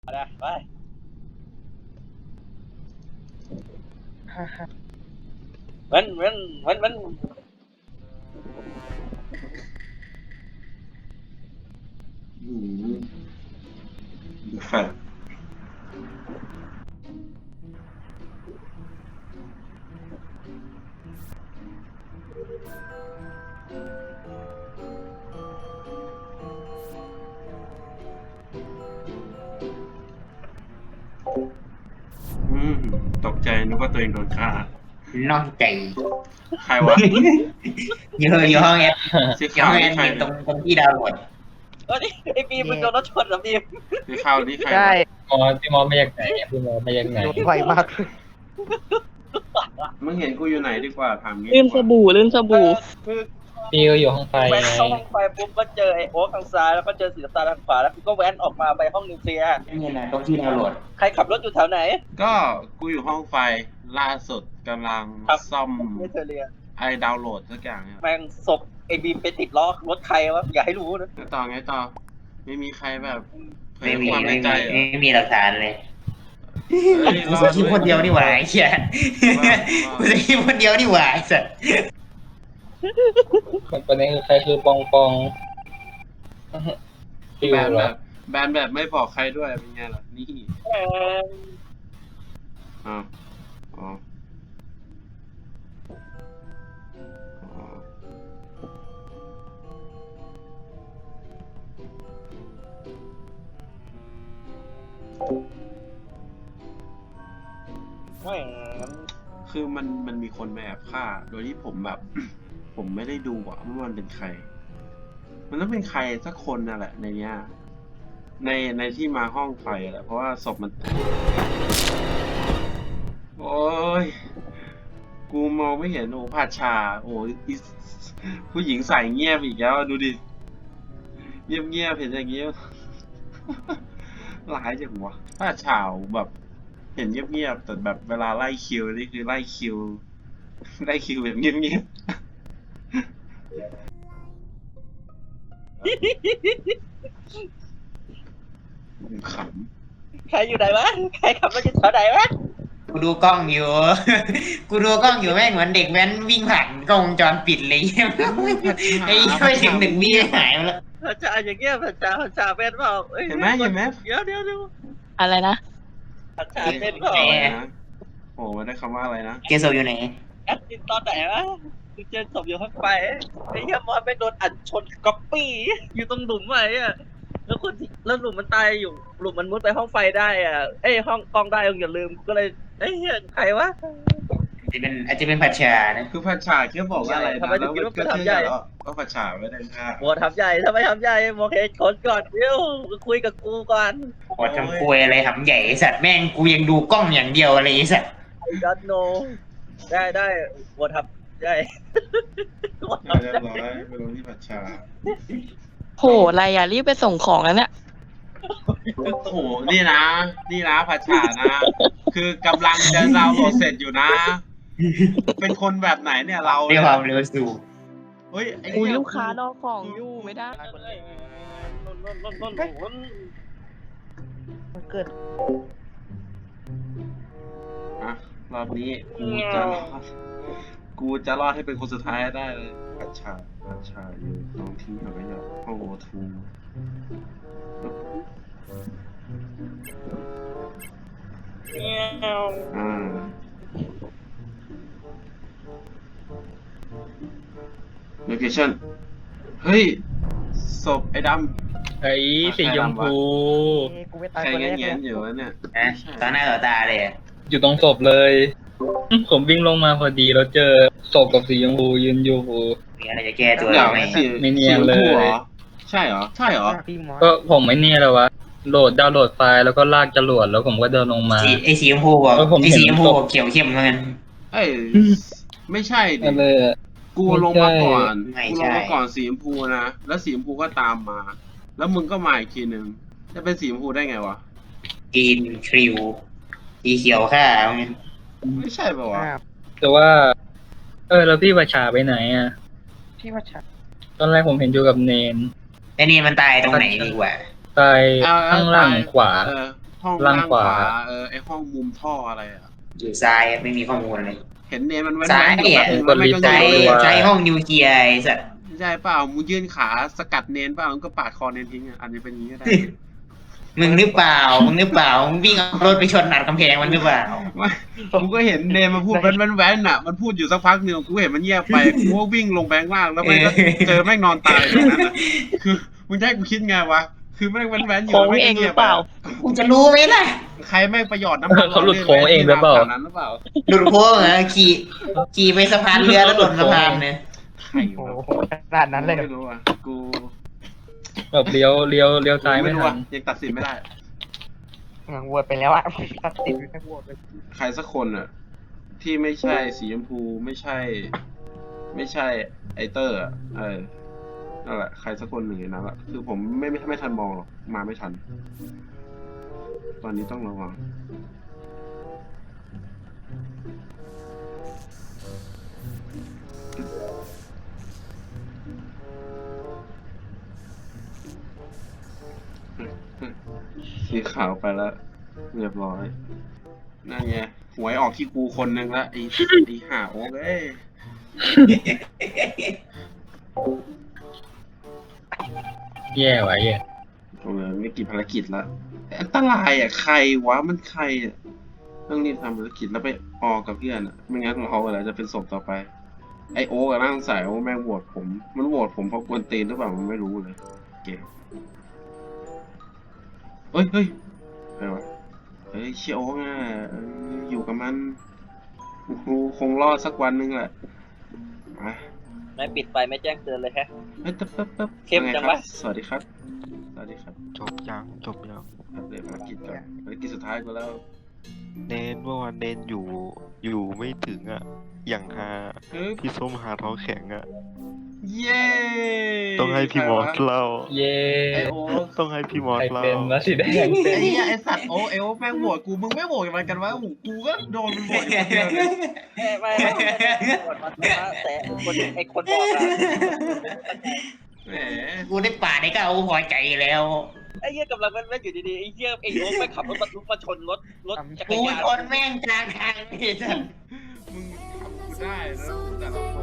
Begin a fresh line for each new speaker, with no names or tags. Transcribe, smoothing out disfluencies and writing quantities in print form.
นะไปมัน
อืมครับตกใจนึกว่าตัวเองโดนฆ่าน
อกใจ
ใครวะ
อยู่ห้องแอด
สี
อยู่
ขาว
ห้องแอ
นี่
ด
ใคร
มินตร
เนี่ย
งที่ดาวน์โหลด
ไอ้บีมมันโดนรถชนเหรอบีม
สีขาวนี่ใคร
ใช่
วะ
พี่มอสมาจากไหนเนี่ยพี่มอสมาจากไหน
รถไวมาก
มึงเห็นกูอยู่ไหนดีกว่าถามงี้
ลื่น
ดีก
ส
ว่า
บู่ลื่นสบู่
คือ
พี่ก็อยู่ห้องไฟ
แว้น
ไง
เข้าห้องไฟปุ๊บก็เจอไอ้โอ๊คทางซ้ายแล้วก็เจอสีน้ำตาลทางขวาแล้วก็แว้นออกมาไปห้องนิวเคลียร์
นี่นะตรงที่ดาวน์โหลด
ใครขับรถอยู่แถวไหน
ก็กูอยู่ห้องไฟล่าสุดกำลัง
ครับ
ซ่อม
ไม่เธอเรีย
ไอ้ดาวน์โหลดสักอย่างเนี่ย
แม่งศพไอ้บีมไปติดล้อรถใครวะอย่าให้รู้นะ
แล้วต่อไงต่อ ไม่มีใครแบบเผย
ไม่มี
ความใน
ไม่
ใจ
มี
เหรอ
ไม่มีหลักฐานเลย
เฮ้ย
กู
รอ
จะคิดคนเดียวนี่หว่าไอ้เหี้ยกูจะคิดคนเดียวนี่หว่าไอ้สัส
ประเด็นคือใครคือปองปองฟิว
แบน
เหร
แบ
อบ
แบนแบบไม่บอกใครด้วยเป็นไงล่ะนี่
แม่ง
อ๋ออ๋ออ๋อ
แม่ง
คือมันมีคนมาแอบฆ่า โดยที่ผมแบบ ผมไม่ได้ดูว่ามันเป็นใคร มันต้องเป็นใครสักคนนั่นแหละในเนี้ย ในที่มาห้องไฟแหละเพราะว่าศพมัน โอ้ย กูมองไม่เห็นโอ้ผาชา โอ้ยอีผู้หญิงใส่เงียบอีกแล้วดูดิ เงียบเห็นอย่างเงี้ย ร้ายจังวะผาชาแบบ เห็นเงียบแต่แบบเวลาไล่คิวนี่คือไล่คิว ไล่คิวแบบเงียบๆข
ใครอยู่ไหนวะใครขับรถอยู่แถวไหนวะ
กูดูกล้องอยู่ กูดูกล้องอยู่แม่งเหมือนเด็กแว้นวิ่งผ่านกล้องวงจรปิดเลย ไอ้ไม่ถึงหนึ่งวิหายไปแล้ว
พระจ่าอย่างเงี้ยพระจ่าเป็นเปล่าอ้ย
เห็นไหม
เดี๋ยว
อะไรนะ
พระจ่าเป็นเปล่า
ำอะไรนะโอ้ไม่ได้คำว่าอะไรนะ
เกโซอยู่ไหน
แอดมินตอนไหนวะกูเจอศพอยู่ข้างไปไอ้เหี้ยมอสไปโดนอัดชนก๊อปปี้อยู่ตรงหลุมไว้อะแล้วคนที่แล้วหลุมมันตายอยู่หลุมมันมุดไปห้องไฟได้อ่ะเอ้ยห้องกล้องได้อย่าลืมก็เลยไอ้เหี้ยใครวะ
อาจจะเป็นผัดชานะ
คือพัชชาแค่บอกว่าอะไร
ทำ
นะ
ไมถึ
แล้
ง
ว
คิด
มัน
ว่า
ก็
กูทำ
เชื่
ใหญ่
อแล้วว่าพัชชาไม่ได้ฆ่า
โหทำใหญ่ทำไมทำใหญ่โอเคคนก่อนเดี๋ยวคุยกับกูก่อน
โหดทำคุยอะไรทำใหญ่ไอ้สัตว์แม่งกูยังดูกล้องอย่างเดียวอะไรไอ้สัตว์
ไอ้ดัตโนได้โหทำใหญ่โหทำ
เรีย
ใหญ่
บร้อยไปลงที่พัชชา
โหอะไรอ่ะรีบไปส่งของแล้วเนี่ย
โอ้โหนี่นะพัชชานะ คือกำลังจะดาวน์โหลดเสร็จอยู่นะ เป็นคนแบบไหนเนี่ยเรา
ด้วยความเร็วสูง
เฮ้ยไอ้
อุ้ย
เนี่ย
ลูกค้ารอของอยู่ไม่ได้
มันเกิด
อ่ะรอบนี้กูจะรอดให้เป็นคนสุดท้ายให้ได้เลยพัชชาอยู่น้องทิ้งเอาไว้เนี่ยห้องโอทู อ่าโลเคชั่นเฮ้ยศพไอ้ด
ไอ้สีชมพู
กูไม่
ำ
ตาย
ใคร
คนแรก
เงี้
เลย
ยๆอยู่วะเนี่ย
นะต่อหน้าต่อตาเลยอะ
อยู่ตรงศพเลย ผมวิ่งลงมาพอดีแล้วเจอศพกับสีชมพูยืนอยู่
มีอะไรจะแก้ตัว
เดี๋ยว
ไหม
สี
ไม่เนียนเลย
สีชมพูหรอใช่เหรอ ใช่เหรอ
พี่มอส
ก็ผมไม่เนี่ยแล้ววะดาวน์โหลดไฟล์แล้วก็ลากจรวดแล้วผมก็เดินลงมา
ไอ้สีชมพูบอก
เออผมเห็น
ไอ้สีชมพูบอกเขียวเข้มเหมือนกัน
เอ้ยไม่ใช่ดิ
ก็เลย
กูลงมาก่อน
ไม่
กู
ใช่
ลงมาก่อนสีชมพูนะแล้วสีชมพูก็ตามมา แล้วมึงก็มาอีกทีหนึ่งจะเป็นสีชมพูได้ไงวะ
กินคริวสีเขียวข้าเอาไง
ไม่ใช่ป่าวะ
แต่ว่า แล้วพี่ประชาไปไหนอ่ะ
พี่ว่าชัด
ตอนแรกผมเห็นอยู่กับเนน
ไอ้นี่มันตายตรงไหนดีกว่า
ตายข้างล่างขวา
เออห้อง
ล่างขวา
ไอห้องมุมท่ออะไรอ่ะ
อยู่ซ้ายไม่มีข้อมูลเลย
เห็นเนมันแว้น
ซ้าย
ๆอยู่
อ่ะ
แป๊บนึงแล้วมันก็
ใช้
โยน
ใช้ห้องนิวเคลียร์ไอ้สัส
ใช่เปล่ามึงยื่นขาสกัดเนนเปล่ามึงก็ปาดคอเนนทิ้งอ่ะอันนี้เป็นอย่างนี้ก็ได้
มึงหรือเปล่ามึงวิ่งเอารถไปชนอัดกำแพงมันหรือเปล่า
ไม่กูก็เห็นเนมมาพูดแว้นๆอ่ะ มันพูดอยู่สักพักหนึ่งกูเห็นมันเงียบไป กูก็วิ่งลงแบงค์ล่างแล้วมันก็เจอแม่งนอนตายตรงนั้นอ่ะ คือมึงจะให้กูคิดไงวะ คือแม่งแว้นๆอยู่
โค้ง
แล้วแม่
เอง
ง
ห
เงี
รื
ยบ
อเปล่า
กูจะรู้ไหมล่ะ
ใครแม่งประหยอดน้ำมัน
เขาหลุดโค้งเองหรือเปล่า
แถวนั้นหรือเปล่า
หลุดโค้งเหรอขี่ไปสะพานเรือแล้วหล่นสะพานเนี่ย
ใคร
โอ้
วะ
โหขนาดนั้นเลย
ไม่รู้อ่ะ กู
แบบเลี้ยวซ้ายไม่
รู้
ทั
อ่ะ
น
ยังตัดสินไม่ได้
โหวตไปแล้วอะตัดสินไม่โหวตเลย
ใครสักคนอ่ะ ที่ไม่ใช่สีชมพูไม่ใช่ไอเตอร์อ่ะนั่นแหละใครสักคนหนึ่งในนั้นแหละคือผมไม่ทันมองหรอกมาไม่ทัน ตอนนี้ต้องระวังสีขาวไปแล้วเรียบร้อยนั่นไงหวยออกที่กูคนนึงละไอ้ห่าโอ้เอ้ย
แย่ว่ะแย่
โอ้ยไม่กี่ภารกิจละแต่อันตรายอ่ะใครวะมันใครอ่ะต้องรีบทำภารกิจแล้วไปออกับเพื่อนอ่ะไม่งั้นเราอะไรจะเป็นศพต่อไปไอโอ๊กอะน่าสงสัยว่าแม่งโหวตผมมันโหวตผมเพราะกวนตีนหรือเปล่ามันไม่รู้เลยเก่งเฮ้ยอะไรวะเฮ้ยเชียโอ๊กอ่ะอยู่กับมันกูคงรอดสักวันนึงแหละไป
ไม่ปิดไฟไม่แจ้งเตือนเลยแฮะ
เฮ้ยตึ๊บ
เข้มจังวะ
สวัสดีครับสวัสดีครับ
จบยัง
ครับเดี๋ยวภารกิจก่อนภารกิจสุดท้ายก็แล้ว
เนนเมื่อวานเนนอยู่ไม่ถึงอ่ะ อย่างหา
เฮ้ย
พี่ส้มหาท้องแข็งอ่ะ
เย้
ต้องให้พี่มอสเล่า
เย่
ไอโอ๊ค
ต้องให้พี่มอส
ใคร
เล่า
เป็นวะสีแดงเป็
ไอ้
น
เหี้ยไอสัตว์โอ้แม่งโหวตกูมึงไม่โหวตกันกันวะโอ้โหกูก็โดนมันโหวตอยู่คนเดียวเลย
ไม่กดมาแต่ไอ้คนบอกอะ
แหม
กูได้ป่าได้ก็เอาพอใจแล้ว
ไอ้เหี้ยกำลังแม่นอยู่ดีๆไอ้เหี้ยไอ้โอ๊คไปขับรถบรรทุกมาชนรถจักร
กู
ยาน
ชนแม่งกลางทางไอ้สัส
มึงทำกูได้แล้วแต่ละคน